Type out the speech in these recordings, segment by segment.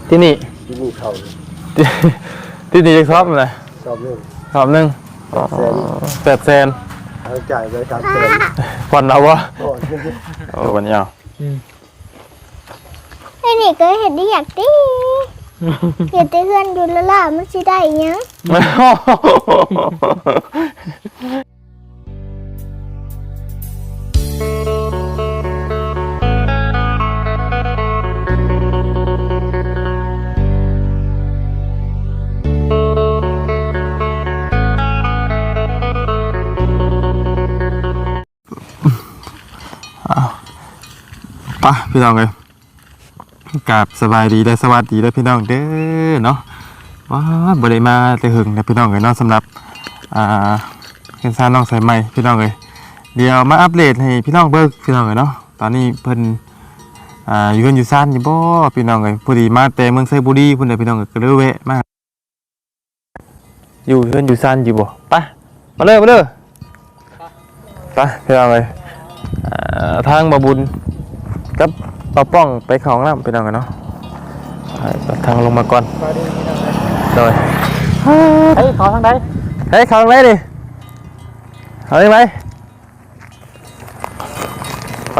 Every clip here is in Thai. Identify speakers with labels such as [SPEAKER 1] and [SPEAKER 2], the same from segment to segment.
[SPEAKER 1] ที่นี่
[SPEAKER 2] เขา
[SPEAKER 1] ที่นี่จะชอบเลย
[SPEAKER 2] ชอบเรื่อง
[SPEAKER 1] 800,000
[SPEAKER 2] เอาจ่ายไป300,000
[SPEAKER 1] ผ่อนเอาวะวันนี้เอา
[SPEAKER 3] ไอ้นี่ก็เห็นได้อยากดิเห็นแต่เพื่อนอยู่แล้วล่ะมันสิได้ยัง
[SPEAKER 1] ป่ะพี่น้องเลยกราบสบายดีและสวัสดีและพี่น้องเด้อเนาะว้าบ่ได้มาแต่หึงนะพี่น้องเลยเนาะสำหรับเพื่อนซ่าน้องสายใหม่พี่น้องเลยเดี๋ยวมาอัปเดตให้พี่น้องเบิกพี่น้องเลยเนาะตอนนี้เพิ่นอยู่กันอยู่ซ่านอยู่บ่พี่น้องเลยพอดีมาแต่เมืองไซบุรีเพิ่นเลยพี่น้องเลยก็เลยแวะมาอยู่กันอยู่ซ่านอยู่บ่ไปมาเลยไปพี่น้องเลยทางบ่บุญกับปป้องไปของน้ำไปน้องกันเนาะทางลงมาก่อนโดยเฮ้ยขอทางใดเฮ้ยขอทางไหนดิเอาได้ไหมไป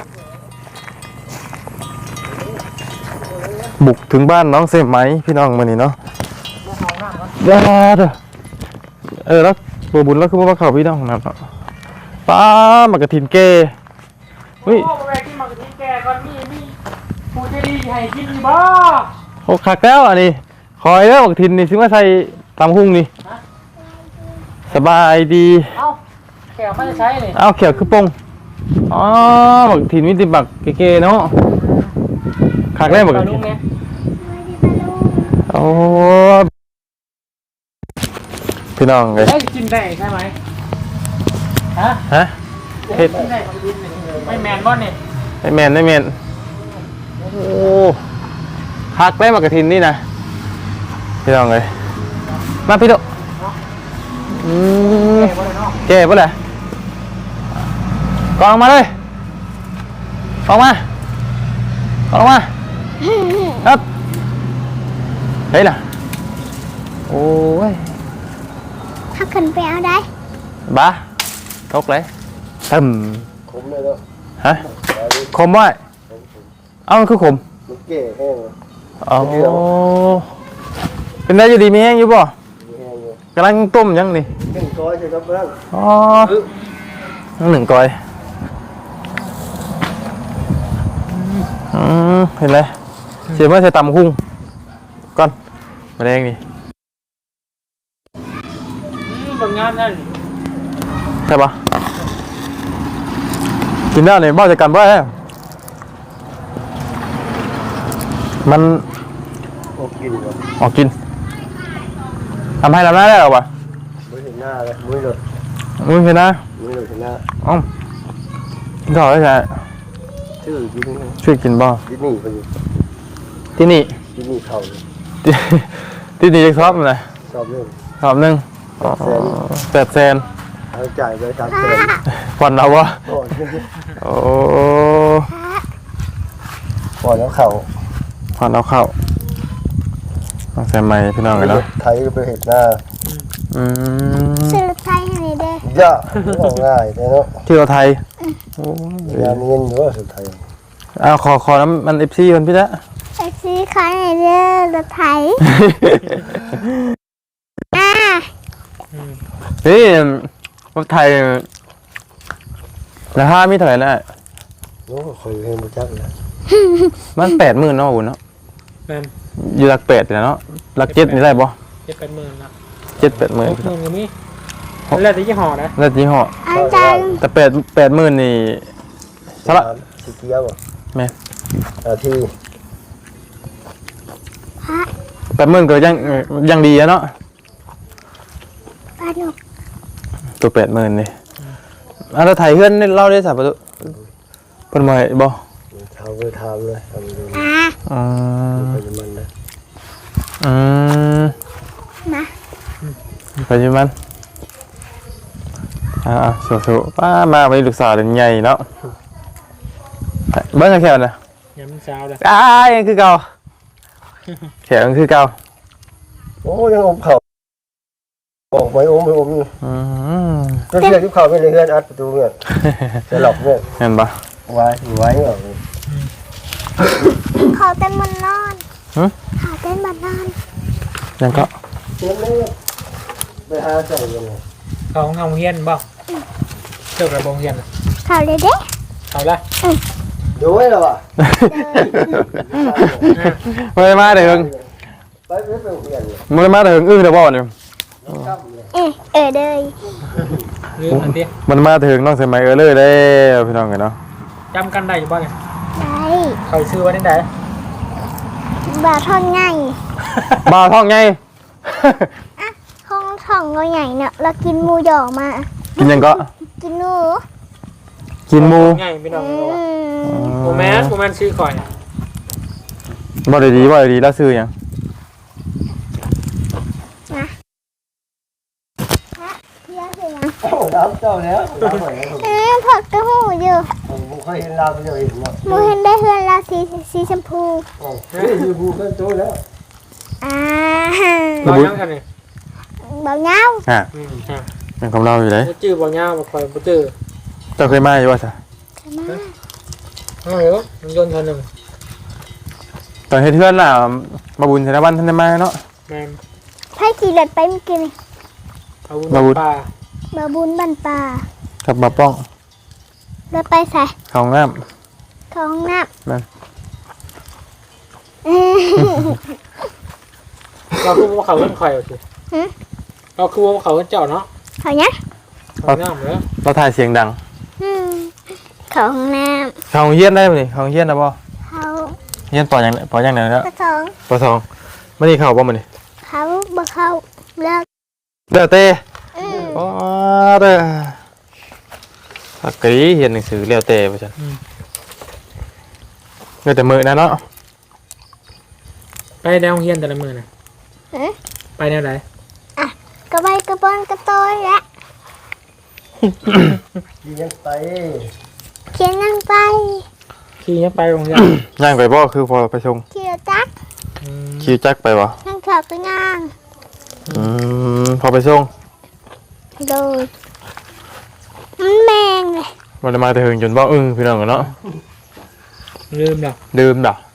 [SPEAKER 1] บุกถึงบ้านน้องเสมไหมพี่น้องมานี่เนาะเด้อแล้วบัวบุญแล้วคือว่าเขาพี่น้องนะป้ามากระถินเกเฮ้ยผู้ใจดีให้กินบ่โอ้คักแล้วอันนี้คอยแล้วบักทินนี่ซื้อมาใส่ตำหุ่งนี่สบายดีเอ้าแขวไม่ได้ใช้เลยเอ้าแขวคือปงอ๋อบักทินมิติบักเก๋ๆเนาะคักแล้วบักทินโอ้พี่น้องเลย
[SPEAKER 4] กินได้ใช่ไหม
[SPEAKER 1] ฮะเฮ็ด
[SPEAKER 4] ไม่แมนบ่เนี่ย
[SPEAKER 1] ไม่แมนโอ้หักได้มากระทินนี่นะพี่น้องเลยมาพี่ดุเก๋ป่ะเลยกองมาเลยกองมาครับเฮ้ยน่ะโอ้ย
[SPEAKER 3] ถ้าขึ้นไปเอาได้
[SPEAKER 1] บ้าทกเลยตึม
[SPEAKER 2] ขมเลยเนาะ
[SPEAKER 1] ฮะคมไว้เอ้ามันคือขม
[SPEAKER 2] มันเก๋แห้ง
[SPEAKER 1] อ๋อเป็นได้อยู่ดีมีแห้งอยู่ป่ะกำลังต้มยังนี่
[SPEAKER 2] 1 ก้อยใช่ครับเพื่อน
[SPEAKER 1] อ๋อ1 ก้อยเห็นไหมเสียเมื่อใส่ตำหุ้งก่อนมาแดงนี่
[SPEAKER 4] บางงานนั่น
[SPEAKER 1] ใช่ปะกินได้เนี่ยบ้าจะกันบ้ามัน
[SPEAKER 2] ออกกิ
[SPEAKER 1] นทำให้เราได้หรอวะ
[SPEAKER 2] มือเห็นหน้าเลยมือหลุด
[SPEAKER 1] เห็นหน้า
[SPEAKER 2] เห็นหน้า
[SPEAKER 1] อ๋อถอดได้ใช่ช่วยกินบ้าที่นี่
[SPEAKER 2] เขา
[SPEAKER 1] ที่นี่จะชอบเลย
[SPEAKER 2] ชอบเรื่อง
[SPEAKER 1] 1800,000
[SPEAKER 2] เอาจ่ายไป300,000
[SPEAKER 1] ผ่อนเอาวะโอ้
[SPEAKER 2] ผ่อนแล้วเขา
[SPEAKER 1] ใส่ไม้พี่น้องกันเนาะ
[SPEAKER 2] ไทยก็ไปเห็นหน้า
[SPEAKER 3] ซื้อไทยให้ได้
[SPEAKER 2] ย่าง่ายเนาะ
[SPEAKER 1] ที่เราไทย
[SPEAKER 2] งานเงินหรือว่าสุดไทย
[SPEAKER 1] ขอน้ำมันFCมันพี่ละ
[SPEAKER 3] FC ขายให้ได้รถไทย
[SPEAKER 1] นี่รถไทยราคามีเท่าไหร่นะ
[SPEAKER 2] โอ้คอยเห็นบุจักนะ
[SPEAKER 1] มัน80,000เนาะอุ่นเนาะอยู่หลัก8เนาะหลัก7นี่ได้ป่ะ
[SPEAKER 4] 7-8 หมื่นนะ
[SPEAKER 1] 7-8 หมื่น
[SPEAKER 4] ก็มีแล้วแต่ยี่ห้อนะ
[SPEAKER 1] แล้วยี่ห้อแต่80,000นี่สละ
[SPEAKER 2] สีเขียว
[SPEAKER 1] แม่
[SPEAKER 2] ที่
[SPEAKER 1] 80,000ก็ยังดีเนาะตัว80,000นี่เราถ่ายเพื่อนเล่าได้สับประตูเป็นมาบ่
[SPEAKER 2] ทำเลยเลยมันนะ
[SPEAKER 1] ไปยิมันสู้ๆป้ามาไปลูกสาวเด็กใหญ่เนาะเบิ้งแค่นะ
[SPEAKER 4] ยังมันเช้าเลย
[SPEAKER 1] ยังคือเก่าแขกคือเก่า
[SPEAKER 2] โอ้ยังอมเข่าออกไปอมไปอมอยู่
[SPEAKER 1] อืม
[SPEAKER 2] ก็เชื่อที่เข่าไม่เลยเฮือนอัดประตูเนี่ยจะหลอกเนี่ย
[SPEAKER 1] เห็นปะ
[SPEAKER 2] ไว้ไว้เหรอ
[SPEAKER 3] เขาเต้นมันนอน
[SPEAKER 1] หึ
[SPEAKER 3] เขาเต้นมันนอน
[SPEAKER 1] ยังก็
[SPEAKER 2] เชื่อเลยไปหาใส่ยังไง
[SPEAKER 4] เขาของเอาเฮียนบ่เจ้ากระบงเฮียนน่ะ
[SPEAKER 3] เขาเลยเด้
[SPEAKER 4] เขาละ
[SPEAKER 2] ดูไว้แล้วอ่ะ
[SPEAKER 1] ไม่ได้มาเถิง
[SPEAKER 2] ไปไม่ไปเฮียนเลย
[SPEAKER 1] ไม่ได้มาเถิงอึ้งเดี๋ยวบอกเนี่ย
[SPEAKER 3] เด้ย
[SPEAKER 4] ลืมอันเดียว
[SPEAKER 1] มันมาถึงน้องสมัยเลยได้พี่น้องกันเนาะ
[SPEAKER 4] จำกันได้อยู่บ่เนี่ย
[SPEAKER 3] ได้
[SPEAKER 4] เขาซื้อไว้ที่ไหน
[SPEAKER 3] บ่าท่อนใหญ่
[SPEAKER 1] บ่าวท้องไง
[SPEAKER 3] ห้องท่องเราใหญ่เนี่ยเรากินหมูหยองมา
[SPEAKER 1] กินยังก็
[SPEAKER 3] กินหนู
[SPEAKER 1] กินหมู
[SPEAKER 4] ง่ายพี่น้อง
[SPEAKER 3] อื
[SPEAKER 4] รู้ว่า
[SPEAKER 3] ม
[SPEAKER 4] โมแมนโมแมนซื้อข่อย
[SPEAKER 1] บ่ได้ดีบ่ได้ดีแล้วซื้อหยัง
[SPEAKER 3] เพี้ยสินะ
[SPEAKER 2] น้ำเจ้าแล้วน้ำไหน
[SPEAKER 3] ผักกระหูอยู่
[SPEAKER 2] ผมเคยเห็นลาวเดียวเห็นเนาะ
[SPEAKER 3] หมูเห็นได้เฮือนลาสีชมพู
[SPEAKER 2] นี่อยู่บูกันโตแล้ว
[SPEAKER 3] อ่า
[SPEAKER 4] เรายังกันนี่
[SPEAKER 3] เบาเงา
[SPEAKER 1] อ่ะ
[SPEAKER 4] ฮะ
[SPEAKER 1] เป็นของเราอยู่เลย
[SPEAKER 4] บ่จื้อบ่ยาวบ่ข่อยบ่จื้อ
[SPEAKER 1] เจ้าเคยมาอยู่ว่าซะ
[SPEAKER 4] เอ้ามันยนต์เท่านึง
[SPEAKER 1] ตอนเฮ็ดเทือนน่ะมาบุญธนบันท่านได้มาเนาะ
[SPEAKER 4] แม่น
[SPEAKER 3] ไพ่ขี่รถไปเมื่อกี้นี่
[SPEAKER 4] เอาบุญป่า
[SPEAKER 3] บาบุญบันปลา
[SPEAKER 1] กับมาป้อง
[SPEAKER 3] รถไปใส่
[SPEAKER 1] เข้าห้องน้
[SPEAKER 3] เข้าห้องน้
[SPEAKER 1] นั่น
[SPEAKER 3] ำ
[SPEAKER 4] เราคือว่าเขาเพิ่นข่อยเอาสิเราคือว่าเขาเพิ่นเจ้าเนาะ
[SPEAKER 3] เขาเนี้ย
[SPEAKER 4] เขาน้ำแล้ว
[SPEAKER 1] เราถ่ายเสียงดัง
[SPEAKER 3] เข้าห้องน้
[SPEAKER 1] เข้าห้องเฮียนได้บ่นี่เข้าห้องเฮียนได้บ่
[SPEAKER 3] ำเขา
[SPEAKER 1] เฮียนปอหยังปอหยังไหนแล้ว
[SPEAKER 3] กระสอง
[SPEAKER 1] ปอสองมื้อนี้เข้าบ่มื้อนี้
[SPEAKER 3] เขาบ่เข้าเลิก
[SPEAKER 1] เด้อเต้
[SPEAKER 3] อืม
[SPEAKER 1] อ๋อเด้อสักกะรีเรียนหนังสือแล้วแต่ว่าซั่นเด้อแต่มื้อนั้นเนาะ
[SPEAKER 4] ไปแนวเฮียนแต่ละมื้อน่ะไปแนวไหน
[SPEAKER 3] กระใบกระบอนกระโตยและ
[SPEAKER 2] ยังไป
[SPEAKER 3] เขียนนั่งไป
[SPEAKER 4] ขี่ยังไปโรงเรียน
[SPEAKER 1] ย่างไปบ่คือพอไปส่ง
[SPEAKER 3] เขียวจัก
[SPEAKER 1] ขี่จักรไปบ่
[SPEAKER 3] นั่งขอบก็ย่าง
[SPEAKER 1] พอไปส่ง
[SPEAKER 3] โดยมันแมงเลย
[SPEAKER 1] บ่ได้มาแต่เฮิงจนบ่พี่น้องกันเนาะ
[SPEAKER 4] ลืมแล้ว
[SPEAKER 1] ดื่มดอก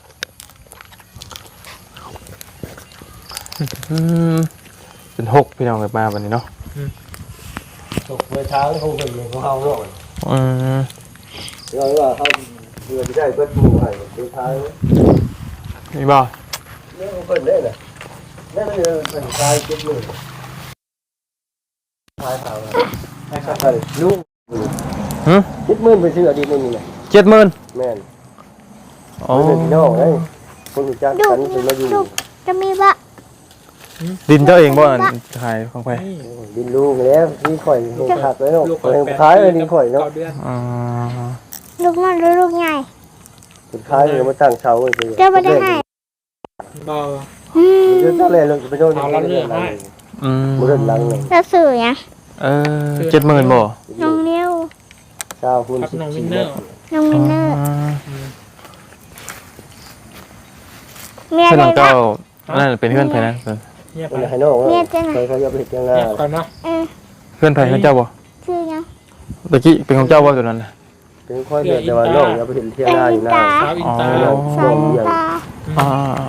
[SPEAKER 1] เป็นหกพี่น้องกันมาวันนี้เนาะ
[SPEAKER 2] ตกไปทางคงเป็นของเขาเนาะ เราว่าเขาเพื่อจะได้เพื่อนผู้ให้สุดท้าย
[SPEAKER 1] นี่บ่
[SPEAKER 2] เนี่ยเพิ่นได้น่ะนั่นมันเป็นชายคิดมือชายสาวให้เขาไปลูกคิดมือไปซื้ออดีตไม่มีน่ะ
[SPEAKER 1] 70,000
[SPEAKER 2] แม่น
[SPEAKER 1] อ๋อ
[SPEAKER 2] เพิ่นพี่น้องเอ้ยคนรู้จักกันเป็นมาอยู่
[SPEAKER 3] ลูกจะมีบะ
[SPEAKER 1] ดินเจ้าเองบ่ขายของไป
[SPEAKER 2] ดินลูกแล้วนี่ข่อยเห็นหักแล้วเนาะเห็นขายเลยดินข่อยเนาะ
[SPEAKER 4] 9 เดือน
[SPEAKER 1] อ๋อ
[SPEAKER 3] ลูกน้อยหรือลูกใหญ่
[SPEAKER 2] เป็นขายเลยมาตั้งเสาเลย
[SPEAKER 3] เจ้าไม่ได้ให้
[SPEAKER 4] บ่
[SPEAKER 2] เรื่องอะไรเลยไปโดน
[SPEAKER 1] อืม
[SPEAKER 2] บ่เรื่องหลังเลย
[SPEAKER 3] เราสื่อยัง
[SPEAKER 1] 70,000บ่
[SPEAKER 3] น้องนิ้ว
[SPEAKER 2] ชาวคุณ
[SPEAKER 4] ครับน้องวินเนอร์
[SPEAKER 3] น้องมินเนอร์เมีย
[SPEAKER 1] เพื่อน
[SPEAKER 3] ได้
[SPEAKER 1] ของ
[SPEAKER 3] ละ
[SPEAKER 1] เจ้านั่นเป็นเพื่อนไผนะ
[SPEAKER 4] เงียบ
[SPEAKER 2] คน
[SPEAKER 4] ไป
[SPEAKER 2] ให้น้องเขาจะไปเฮ็ดยังไง
[SPEAKER 4] เงียบก่อนเนาะ
[SPEAKER 1] เพื่อนไผของเจ้าบ่
[SPEAKER 3] ชื่อยัง
[SPEAKER 1] ตะกี้เป็นของเจ้าบ่ตัวนั้นน่ะ
[SPEAKER 2] เป็นค่อยเดินแต่ว่าน้องอย่าไปเห็นเที่ยงหน้าอยู่หน้า
[SPEAKER 4] สาวอินตา
[SPEAKER 3] สายตา
[SPEAKER 1] อ๋อ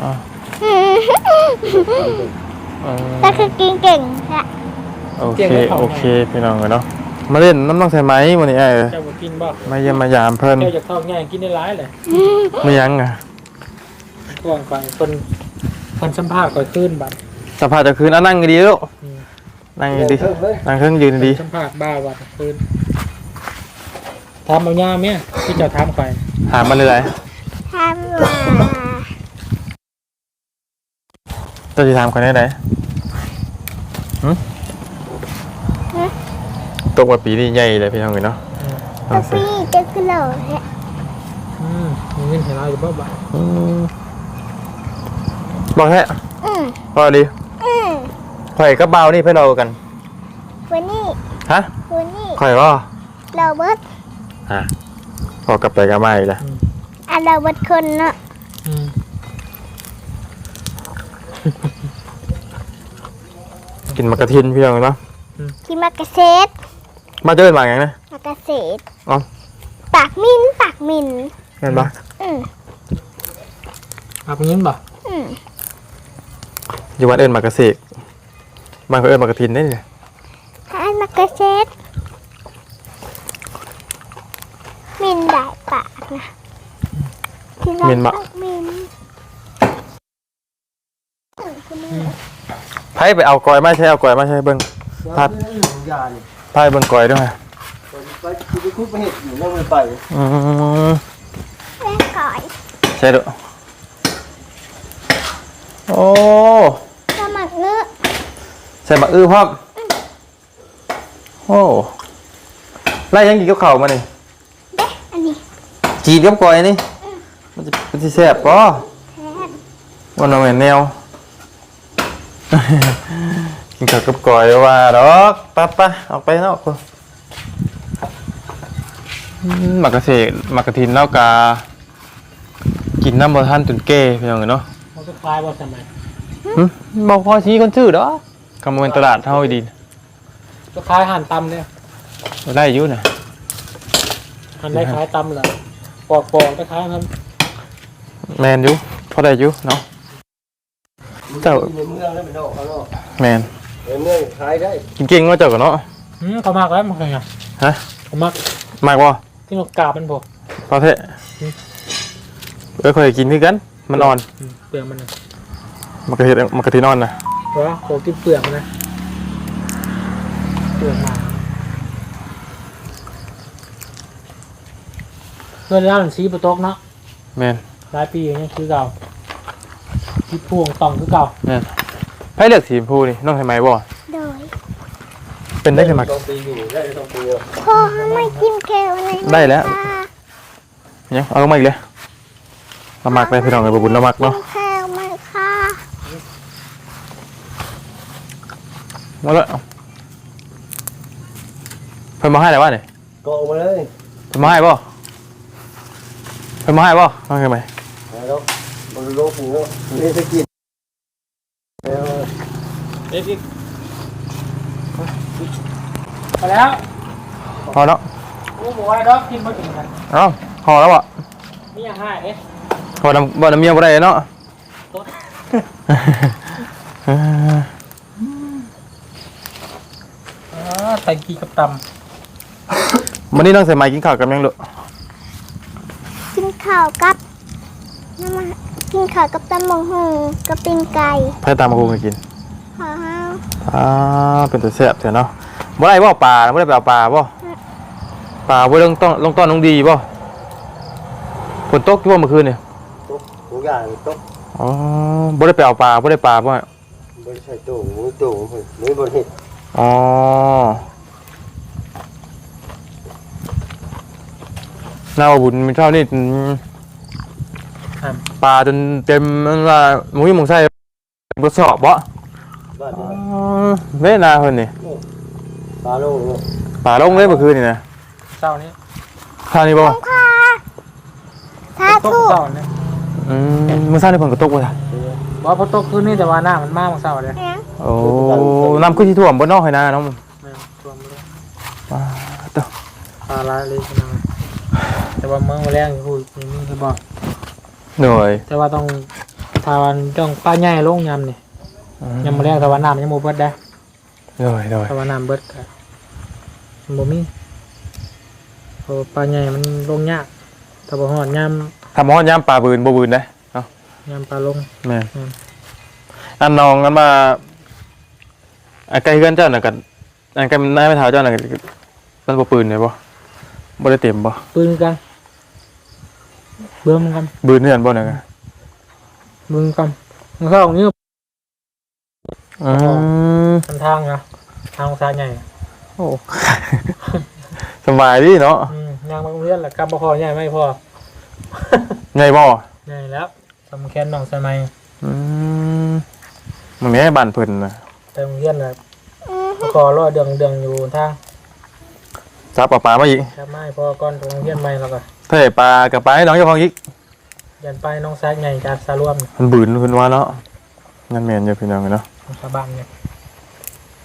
[SPEAKER 3] แต่คือกินเก่งแหละ
[SPEAKER 1] โอเคพี่น้องกันเนาะมาเล่นน้ำน้องใส่ไหมวันนี้ไอ้
[SPEAKER 4] เจ้าบ่กินบ่
[SPEAKER 1] มาเยี่ยมมายามเพิ่น
[SPEAKER 4] เจ้าจะเข้าง่ายกินได้หลายเลย
[SPEAKER 1] ไม่ยั้งอ่ะ
[SPEAKER 4] กว้างไปคนสัมภาษณ์ก่อนขึ้นบัด
[SPEAKER 1] สภาพจะคืนนั่งดีลูกนั่งดีนั่งเครื่องยืนดี
[SPEAKER 4] สัมภาษณ์บ้าวัดขึ้นถามเอาย่าเมียที่เจ้าถามไป
[SPEAKER 1] ถามมาเลย
[SPEAKER 3] ทำว่า
[SPEAKER 1] เจ้าจะถามคนไหนตกว่าปีนี้ใหญ่เลยพี่น้องกันเนาะ
[SPEAKER 3] ตะปี้จะกระโดดแหละ
[SPEAKER 4] มีเงินเห็นเราอยู่บ่บ่
[SPEAKER 1] บอกแค่พอดีข่อยกับเบานี่เพื่อนเรากัน
[SPEAKER 3] วันนี้
[SPEAKER 1] ฮะ
[SPEAKER 3] วันนี้
[SPEAKER 1] ข่อยว่า
[SPEAKER 3] เราเบิด
[SPEAKER 1] พอกลับไปกับมาอีกแล้ว
[SPEAKER 3] เราเบิดคนเนาะ
[SPEAKER 1] นมะกระทินพี่น้องเนาะ
[SPEAKER 3] กินมากระเซต
[SPEAKER 1] มาเจอมาอย่างนะ
[SPEAKER 3] มากระเซต
[SPEAKER 1] อ๋อ
[SPEAKER 3] ปากมินปากมิน
[SPEAKER 1] เห็นปะ
[SPEAKER 4] เอาไปยินบ่
[SPEAKER 1] อยู่วัดเอิญมากระเสกมันก็เอิญมากระทินได้เนี่ย
[SPEAKER 3] อันมากระเซตมินได้ปากนะกินได้ปากมิน
[SPEAKER 1] ไพ่ไปเอากอยมาใช่เอากอยมาใช่เบิ้ง
[SPEAKER 2] พัดยานี่
[SPEAKER 1] ไพ่เบิ้งกอยด้วย
[SPEAKER 2] ไปคุกไปเห็ดอยู่แล้วมันไป
[SPEAKER 1] อืม
[SPEAKER 3] แม่ก่อย
[SPEAKER 1] ใช่ด้วยโอ้
[SPEAKER 3] สมัครเนื้อ
[SPEAKER 1] ใส่บักอื้อพร้อมโอ้ไล่ยังกินกับข้าวมานี่
[SPEAKER 3] เด้อันนี้
[SPEAKER 1] จีนกับกอยนี่มันจะแซ่บป่ะ
[SPEAKER 3] แทน
[SPEAKER 1] วันนั้นเหมือนแนว กินข้าวกับกอยว่าดอกปะออกไปนอกคนหมักกระเสกหมักกระทินแล้วกากินน้ำบะท่านตุนเก้พี่น้องเนาะ
[SPEAKER 4] มันก็คล้ายบ่สมัย
[SPEAKER 1] บอกพอชี้คนชื่อดอกกำลังเป็นตลาดเท่าดี
[SPEAKER 4] ก็คล้ายหั่นตำเนี่ย
[SPEAKER 1] ได้อยุ่น่ะ
[SPEAKER 4] หั่นได้คล้ายตำเลยปอกๆคล้ายๆครับ
[SPEAKER 1] แมนอยุ่พอได้อยุ่เนาะ เจ้า
[SPEAKER 2] ในเมืองแล้วเป็นนอกข้างนอก
[SPEAKER 1] แมน
[SPEAKER 2] ในเมืองขายได้
[SPEAKER 1] กินเก่งว่าเจ้ากันเนาะ
[SPEAKER 4] เขามากแล้วมันเคยไง
[SPEAKER 1] ฮะ
[SPEAKER 4] เขามาก
[SPEAKER 1] มากบ่
[SPEAKER 4] ที่นกกาบมันพอ
[SPEAKER 1] พอเทะเคยกินที่กันมันอ่อน
[SPEAKER 4] เปลือกมันนะ
[SPEAKER 1] มันกระเทียมมันกระทินอ่อนนะ
[SPEAKER 4] เพราะว่าโคกินเปลือกมันนะเปลือกมาเพื่อนร้านสีประตกเนาะ
[SPEAKER 1] แมน
[SPEAKER 4] หลายปีอย่างนี้คือเก่าที่พวงต่องคือเก่า
[SPEAKER 1] แมนให้เลือกสีชมพูนี่น้องทำไมบ่
[SPEAKER 3] โดย
[SPEAKER 1] เป็นได้ขึ้นมา
[SPEAKER 2] ต้องปีอยู่ได้ต้องปี
[SPEAKER 3] พ่อไม่กินแก้วอะไร
[SPEAKER 1] ได้แล้ว เนี่ยเอาลงมาอีกเลยเรามักเลยพี่น้องเลยบุญเรามัก
[SPEAKER 3] กิ
[SPEAKER 1] เนาะ
[SPEAKER 3] นแก้วไหมค่ะ
[SPEAKER 1] มาเลยเพิ่มมาให้อะไรวะเนี่ย
[SPEAKER 2] ก็ออกมาเลย
[SPEAKER 1] เพิ่มมาให้ป่ะเพิ่มมาให้ป่ะน้องทำไม
[SPEAKER 2] แล้วมันโลกหัวนี่จะกินแล้ว
[SPEAKER 4] เด็กไปแล้ว
[SPEAKER 1] พอแล้ว
[SPEAKER 4] กูบอกว่าดอกกินมาถึงกัน
[SPEAKER 1] เอ้าพอแล้วอ่ะ
[SPEAKER 4] มีอย่างห้าเอ๊ะ
[SPEAKER 1] พอน้ำบ่น้ำเมียบ่ได้เนาะ
[SPEAKER 4] ใส่กีกับต
[SPEAKER 1] วันนี้น้องใส่ไม้กินข้าวกับยังลูก
[SPEAKER 3] กินข้าวกับน้ำมันกินข้าวกับตำบักหุ่งกับปิ้งไก่
[SPEAKER 1] ให้ตามมาคุยกิน
[SPEAKER 3] ขอห้าว
[SPEAKER 1] เป็นตัวแซ่บเถอะเนาะบ่ได้บ่ปลาบ่ได้ไปเอาปลาบ่ปลาบ่ลงต้อนน้องดีบ่ฝนตกอยู่บ่เมื่อคืนนี่
[SPEAKER 2] ตุ๊กทุกอย่างตุ๊ก
[SPEAKER 1] อ๋อบ่ได้ไปเอาปลาบ่ได้ปลาบ่
[SPEAKER 2] บริษัทตู้มือตู้มือบริษัท
[SPEAKER 1] อ๋อน่าว่าบุญมันเท่านี่ปลาจนเต็มมันว่าหมุ้ยหมุงไส้บ่สอบบ่
[SPEAKER 2] บ้าน
[SPEAKER 1] อ๋อเว้ยนาเพิ่นนี่
[SPEAKER 2] ปลาโลก
[SPEAKER 1] ปลาลงเลยเมื่อคืนนี่นะ
[SPEAKER 4] ำเศร้านี้
[SPEAKER 1] ข้าวนี่บ่
[SPEAKER 3] ต้องพาสา
[SPEAKER 4] ตก
[SPEAKER 3] ธุ
[SPEAKER 4] เศร้าเนี่ย
[SPEAKER 1] มื้อเช้านี่เพิ่นก็ตกบ่ล่ะ
[SPEAKER 4] ว่าพอตกคืนนี้แต่ว่าหน้ามันมากเศร้าเลย
[SPEAKER 3] เนี่ย
[SPEAKER 1] โอ้น้ำขึ้นที่ท่วมบ่นอกให้นาเนาะ
[SPEAKER 4] แม่รวมเลย
[SPEAKER 1] ว้าเด้อ
[SPEAKER 4] ปลาลายเลยนะแต่ว่าเมืองมาแรงพูดอย่างนี้คือบอก
[SPEAKER 1] เหนื่อย
[SPEAKER 4] แต่ว่าต้องทาวันต้องปลาใหญ่ลงยำนี่ยำมาแรงแต่ว่าน้ำมันยังโมเบิดได้
[SPEAKER 1] เหนื่อย
[SPEAKER 4] แต่ว่าน้ำเบิดก็มันบ่มีเพราะปลาใหญ่มันลงยากถ้าบ่ฮอดย
[SPEAKER 1] ทำฮอดยามปลาบืนบ่บืนได้เนาะ
[SPEAKER 4] ำยำปลาลง
[SPEAKER 1] แม่นอันน้องกันมาอันไกลเฮือนเจ้าน่ะกันอันไกลนายไม่เท่าเจ้าน่ะมันบ่ปืนได้บ่บ่ได้เต็มบ่
[SPEAKER 4] ปืนกันเบิ่มกัน
[SPEAKER 1] บืนเฮือนบ่น่ะ
[SPEAKER 4] มึงกันมึงเข้าตรงนี้
[SPEAKER 1] อืม
[SPEAKER 4] ทางนะทางซ้ายใหญ่
[SPEAKER 1] โอ้ สบายดีเนาะ
[SPEAKER 4] ยางมาโรงเรียนแหละกลับบ่พอใหญ่ไม่พอ
[SPEAKER 1] ไงบ่
[SPEAKER 4] ใหญ่แล้วสำแคนน้องสมัย
[SPEAKER 1] อืมมันแม่บ้านเพิ่นน่ะ
[SPEAKER 4] ไปโรงเรียนน่ะขอรอเดืองอยู่ทาง
[SPEAKER 1] จับปลามาอีก
[SPEAKER 4] ครับไม่พอก่อนไปโรงเรียนใหม่แล้วก็
[SPEAKER 1] ถ้าได้ปลากับปลาให้น้องเจ้าของอีก
[SPEAKER 4] ยันไปน้องซ้ายใหญ่จากสารวม
[SPEAKER 1] มันบืนเพิ่นว่าเนาะงั้นแม่นอยู่พี่น้องเนาะ
[SPEAKER 4] ชาวบ้านเนี่ย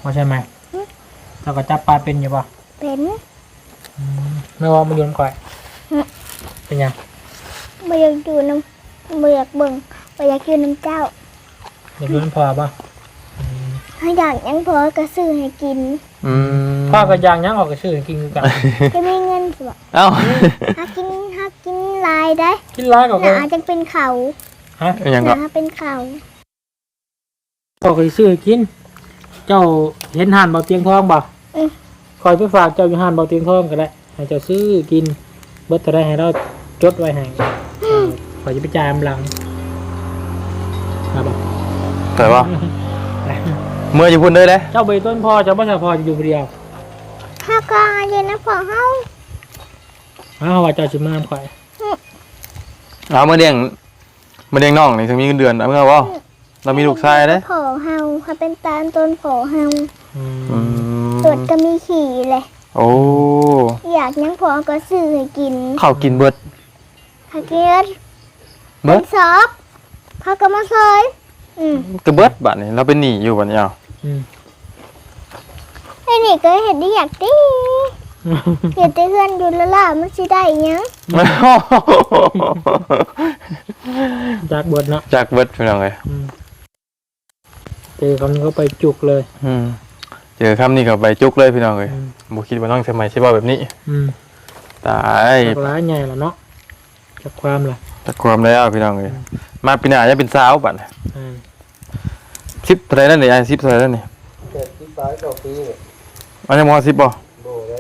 [SPEAKER 4] ว่าใช่ไหมเราก็จับปลาเป็นอยู่ป่ะ
[SPEAKER 3] เป็น
[SPEAKER 4] ไม่ว่ามันโยนก่อยเป็นยัง
[SPEAKER 3] บ่อยากอยู่น้ำบ่อยากเบิ่งบ่อยากอยู่น้ำเจ้า
[SPEAKER 4] อยากโยนพอป่ะ
[SPEAKER 3] ถ้าอยากหยังพอก็ซื้อให้กิน
[SPEAKER 4] พ่อก็ยางยังออกกระชื่อกินกัน
[SPEAKER 3] จะมีเงินสิบ่
[SPEAKER 1] เอ้า
[SPEAKER 3] หากินหลายได้
[SPEAKER 4] กินร้ายกว่า
[SPEAKER 3] หนาจังเป็นเขา
[SPEAKER 4] ฮะ
[SPEAKER 1] ยัง
[SPEAKER 3] ห
[SPEAKER 1] ก็
[SPEAKER 3] นาเป็นเขา
[SPEAKER 4] พ่อเคยซื้อกิน เจ้าเห็นห่านเบาเตียงทองบ่คอยไปฝากเจ้าอยู่ห่านเบาเตียงทองก็ได้ให้เจ้าซื้อกินเบิดจะได้ให้เราจดไว้ให้ขอยจะไปจ่ายอำลังครับบ่
[SPEAKER 1] แต่ว่าเมื่ออยู่พุ่นเลยเด้
[SPEAKER 4] เจ้าใบต้นพ่อเจ้าบ่ใช่พ่อจะอยู่คนเดียว
[SPEAKER 3] ถ้าก็เย็นนะพอเฮา
[SPEAKER 4] ว่าเจ้าสิมาข่อย
[SPEAKER 1] เอามาเลี้ยงน้องนี่ถึงมีเงินเดือนเอาเมื่อว่าเรามีลูกชายเด้
[SPEAKER 3] พอเฮาเขาเป็นตาลต้นพอเฮา
[SPEAKER 1] อืม
[SPEAKER 3] ตรวจก็มีขี่เลย
[SPEAKER 1] โอ้
[SPEAKER 3] อยากหยังพอก็ซื้อให้กิน
[SPEAKER 1] ข้าวกินเบิด
[SPEAKER 3] ถ้าเกิด
[SPEAKER 1] เบิด
[SPEAKER 3] สอบเขาก็มาซอย
[SPEAKER 1] กระเบิดบัดนี้เราเป็นหนี้อยู่บัดนี้เอา
[SPEAKER 3] ไอ้นี่ก็เห็นได้อยากตีเห็นแต่เพื่อนอยู่แล้วล่ะมันสิได้หยัง
[SPEAKER 4] จากบทเนาะ
[SPEAKER 1] จากเบิดพี่น้องเอ้ย
[SPEAKER 4] เจอคำนี้ก็ไปจุกเลย
[SPEAKER 1] เจอคำนี้ก็ไปจุกเลยพี่น้องเอ้ยบ่คิดว่าน้องสมัยสิเว้าแบบนี้ตาย
[SPEAKER 4] จากร้ายใหญ่ละเนาะจากความล่ะ
[SPEAKER 1] จักความแล้วพี่น้องเอ้ยมาปีหน้าจะเป็นสาวบัดนี้ 10เท่าไหร่นั่นนี่ไอ้10เท่าไหร่นั่นนี่
[SPEAKER 2] เกิดที่ฟ้าเก้าปีเนี่ย
[SPEAKER 1] อันนี้ม10บ่
[SPEAKER 2] โบเลย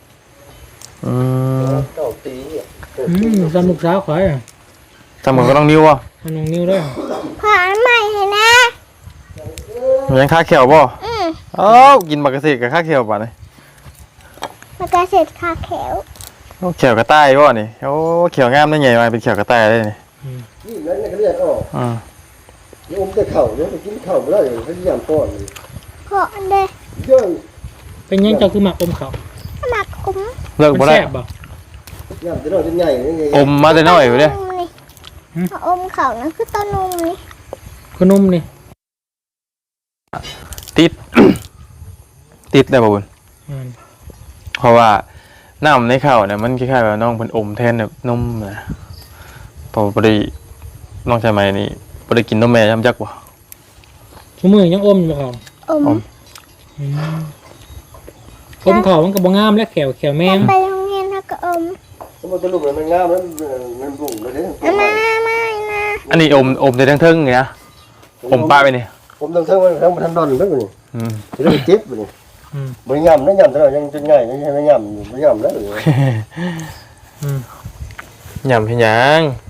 [SPEAKER 2] เก้าปีเนี่ยเกิด
[SPEAKER 4] สนุกสาวข่อยอ่ะ
[SPEAKER 1] ทำเหมือนก็ต้องนิ้วบ่
[SPEAKER 4] มันน้องนิ้วด้วย
[SPEAKER 3] ขออันใหม่ให้นะ
[SPEAKER 1] ยังค่าแขวบ่เอ้ากินบักกะเสกกับค่าแขวบัดนี้
[SPEAKER 3] มันก็เสร็จคาแขว
[SPEAKER 1] โอ้แขวกระต่ายบ่นี่โอ้แขวงามได้ใหญ่มาเป็นแขวกระต่ายได้นี่
[SPEAKER 2] นี่นั่นก็เรียกออกนี่ผมจะเข่าเนี่ยไปกินเข่าไม่ได้เลยพยายามป้อนเลย
[SPEAKER 3] ขออันเด
[SPEAKER 2] เยอะ
[SPEAKER 4] เป็นยังเจ้าคือหมักอมเขา
[SPEAKER 3] หมักคุ้ม
[SPEAKER 1] เลิก
[SPEAKER 4] มัน
[SPEAKER 1] บ่ได้
[SPEAKER 4] แซ่บบ่
[SPEAKER 2] ยามจะนอนจะใหญ่ยังไง
[SPEAKER 1] อมมาแต่น้อยอยู่เด้
[SPEAKER 3] อมเขานั่นคือต้นนมนี่
[SPEAKER 4] ขนมนี่
[SPEAKER 1] ติด ติดได้บ่บุญเพราะว่าน้ำในข้าวเนี่ยมันคล้ายๆว่าน้องเพิ่นอมแทนแบบนมนะพอบ่ได้น้องชายใหม่นี่บ่ได้กินนมแม่ย่ำจักบ่
[SPEAKER 4] ชั่วมือยังอมอยู่เขา
[SPEAKER 3] อม
[SPEAKER 4] อมเขามันก็บ่งามและแขวแมง
[SPEAKER 3] ไปโรงเรียนถ้าก็อม
[SPEAKER 2] สมมติลูกมันงามแล้วมันบุ๋มเลยเนี่ย
[SPEAKER 3] มานะ
[SPEAKER 1] อันนี้อมได้ทั้งเทิงนี่นะอมปลาไปนี่
[SPEAKER 2] ผมต้องเท่ามันทันดอนแล้วนี่
[SPEAKER 1] อืม
[SPEAKER 2] จะได้เจ็บนี่บริยามนะยามตลอดยังจะง่ายยังไม่ยามบริยามแล้วหรือย
[SPEAKER 1] ำเฮ็ดหยัง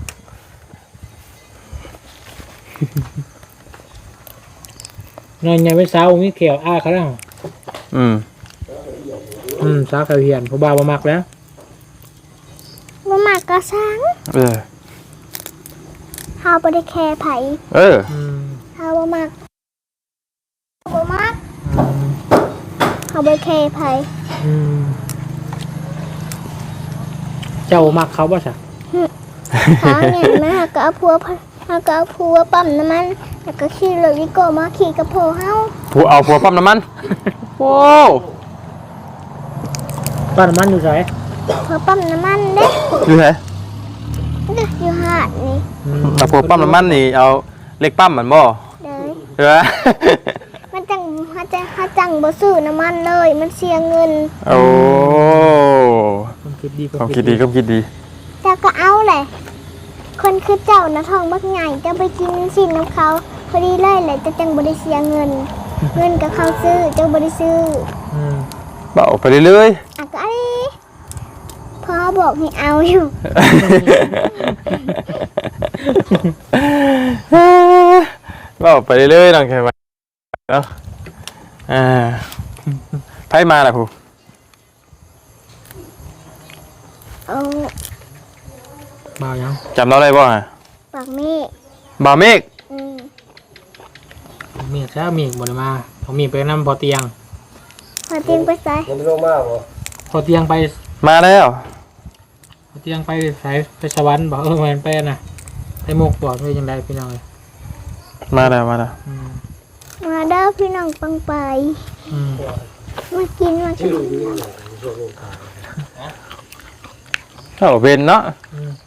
[SPEAKER 4] นอนใหญ่เป็นสาวมีแขวอ้าเขาแล้ว สาวแขวเหียนผู้บ่าวบ่มักแล้ว
[SPEAKER 3] มาหมักกระสัง
[SPEAKER 1] เออ
[SPEAKER 3] เฮาบ่ได้แคร์ไผ
[SPEAKER 1] เออ
[SPEAKER 3] เฮาบ่มักบ่มักเฮาบ่แคร์ไผ
[SPEAKER 4] เจ้ามักเขาบ่ซะ
[SPEAKER 3] หาเงินมาเฮาก็เอาผัวปั๊มน้ำมันแล้วก็ขี่รถวิโก้มาขี่กับพ่อเฮา
[SPEAKER 1] ผัวปั๊มน้ำมันโอ้
[SPEAKER 4] บ้านมันอยู่ไส
[SPEAKER 3] ผัวปั๊มน้ำมันเด้
[SPEAKER 1] อยู่ไหน
[SPEAKER 3] เด้ออยู่หาดนี่
[SPEAKER 1] เอาผัวปั๊มน้ำมันนี่เอาเล็กปั๊มมันบ่
[SPEAKER 3] เด้อ
[SPEAKER 1] เออ
[SPEAKER 3] มันจังบ่ซื้อน้ำมันเลยมันเสียเงิน
[SPEAKER 1] โอ้
[SPEAKER 4] ความคิดดี
[SPEAKER 1] ความคิดดี
[SPEAKER 3] เจ้าก็เอาแหละคนคือเจ้านะทองบักใหญ่เจ้าไปกินสินน้ำเขาพอดีเลยแหละจะจังบ่ได้เสียเงิน เงินกับเขาซื้อเจ้าบ่ได้ซื้อ
[SPEAKER 1] เบาไปเรื่อย
[SPEAKER 3] อ่ะก็อะไรพ่อบอกให้เอาอยู่
[SPEAKER 1] ๆเบาไปเรื่อยๆน้องใช่ไหมเนาะไพ่มาล่ะผู้
[SPEAKER 3] เอา
[SPEAKER 4] บ่าวยัง
[SPEAKER 1] จำเราได้บ่ฮะ
[SPEAKER 3] ปากเมฆ
[SPEAKER 1] บ่าวเมฆ
[SPEAKER 4] มีแท้มีบ่ได้มาเขามีไปนำพอเตียง
[SPEAKER 3] พอเตียงไปใส่
[SPEAKER 2] ยังไม่ลงมากหรอ
[SPEAKER 4] พอเตียงไป
[SPEAKER 1] มาแล้ว
[SPEAKER 4] พอเตียงไปสายไปสวรรค์บ่มันไปน่ะไปมุกบ่ด้วยจังได๋พี่น้อง
[SPEAKER 1] มาแล้ว
[SPEAKER 3] มาเด้อพี่น้องปังไป
[SPEAKER 4] อืม
[SPEAKER 3] มากินมากิ
[SPEAKER 2] ชื่อน นี้เนี่ยช่วงลงขาย
[SPEAKER 1] เข้าเป็นเนาะ
[SPEAKER 4] อืม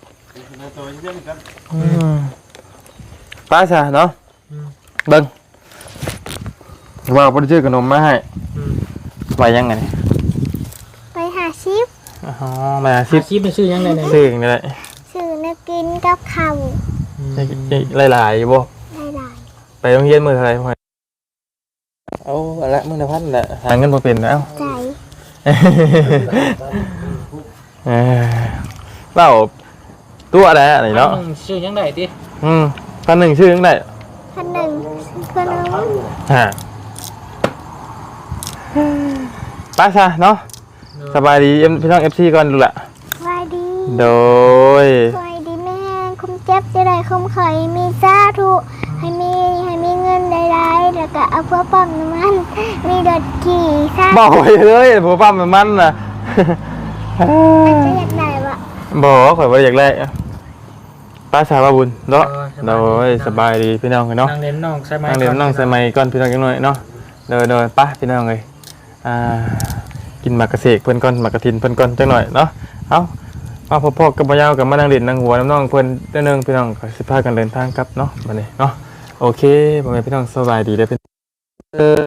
[SPEAKER 1] ป้าซะเนาะ
[SPEAKER 4] อืม
[SPEAKER 1] เบิ่งว่าบ่ได้ซื้อขนมมาให้
[SPEAKER 4] อืม
[SPEAKER 1] ไว้ยังไงนี่
[SPEAKER 3] ไปหาชิป
[SPEAKER 1] อ๋อมา
[SPEAKER 4] อา
[SPEAKER 1] สิ
[SPEAKER 4] ชีพมันชื่อยังไงเนี่ย
[SPEAKER 1] ซื้อนี่แหละ
[SPEAKER 3] ซื้อนักกินกับข้าว
[SPEAKER 4] อืม
[SPEAKER 1] หลายๆอยู่บ่
[SPEAKER 3] หลาย
[SPEAKER 1] ไปโรงเรียนมื้อเท่าไหร่พ่อเอาอันละมื้อละพันน่ะหาเงินบ่เป็นแล้ว
[SPEAKER 3] ๆใจ
[SPEAKER 1] เออเล่าตัวอะไรอะไรเนาะ
[SPEAKER 4] ชื่อยังไงดิ
[SPEAKER 1] 1,100ชื่อจังได๋
[SPEAKER 3] พันหนึ่งเพื่อนน้อง
[SPEAKER 1] ฮะป้าซะเนาะสบายดีพี่น้อง FC ก่อนดูล่ะ
[SPEAKER 3] วายดี
[SPEAKER 1] โดย
[SPEAKER 3] วายดีแม่คุมเจ็บจะได้คุมไข่มีสาธุให้มีเงินได้ๆแล้วก็เอาเพื่อปั๊มน้ำมันมีรถขี่สา
[SPEAKER 1] บอกไปเลยบ่ปั๊มมันน่ะ
[SPEAKER 3] อาจจะอยากได้วะ
[SPEAKER 1] บ่ข่อยบ่อยากได้ป้าสาวว่าบุญเนาะโดยสบายดีพี่น้องเนาะ
[SPEAKER 4] นางเล่นน้องใช่ไหม
[SPEAKER 1] นั่งเรียนนั่งใส่ไมค์ก่อนพี่น้องจังหน่อยเนาะโดยป้าพี่น้องเอ้ยกินหมากกระเสกเพิ่นก่อนหมากกระทินเพิ่นก่อนจังหน่อยเนาะเอามาพ่อๆกับบ่ยาวกับมานั่งเล่นนั่งหัวน้องๆเพิ่นเด้อนึงพี่น้องก็สิพากันเดินทางกลับเนาะบัดนี้เนาะโอเคพ่อแม่พี่น้องสบายดีเด้อพี่